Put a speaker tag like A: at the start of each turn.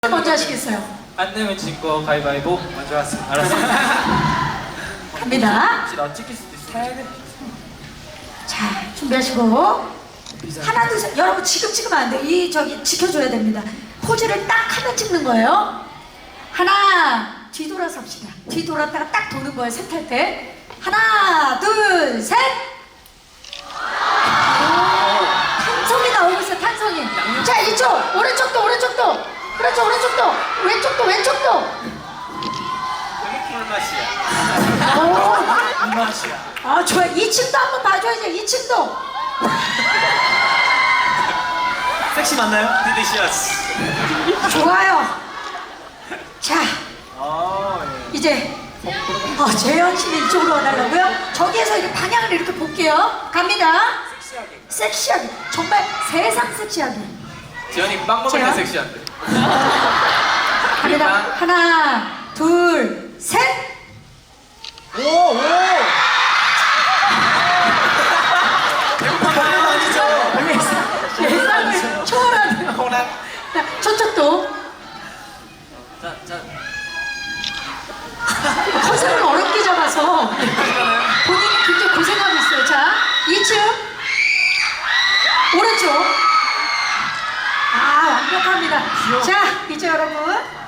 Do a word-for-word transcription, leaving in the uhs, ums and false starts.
A: 먼저 하시겠어요?
B: 안 내면 진거 가위바위보 먼저 하세요. 알았어요.
A: 갑니다.
B: 나 찍힐 수도 있어.
A: 자, 준비하시고 하나 둘 셋. 여러분 지금 찍으면 안 돼요. 이 저기 지켜줘야 됩니다. 포즈를 딱 하면 찍는 거예요. 하나 뒤돌아서 합시다. 뒤돌았다가 딱 도는 거예요. 셋 할 때. 하나 둘 셋. 탄성이 나오고 있어요. 탄성이. 자, 이쪽 오른쪽도 오른쪽도. 그렇죠. 오른쪽도 왼쪽도 왼쪽도.
B: 꿀맛이야.
A: 오.
B: 이 맛이야.
A: 아, 좋아. 이 층도 한번 봐줘야죠. 이 층도.
B: 섹시 맞나요? 디디시아스.
A: 좋아요. 자,
B: 아 예.
A: 이제 어, 재현 씨는 이쪽으로 와달라고요? 저기에서 이렇게 방향을 이렇게 볼게요. 갑니다.
B: 섹시하게.
A: 섹시하게. 정말 세상 섹시하게.
B: 지현이 빵 먹을 때
A: 재현?
B: 섹시한데.
A: 갑니다. 하나, 둘, 셋.
B: 오 오. 배고픈 거 아니죠?
A: 예상을 초월하네요.
B: 호랑.
A: 자, 저쪽도.
B: 자 자.
A: 컨셉을 어렵게 잡아서 본인이 굉장히 고생하고 있어요. 자, 이 층 오른쪽. 아, 완벽합니다. 자, 이제 여러분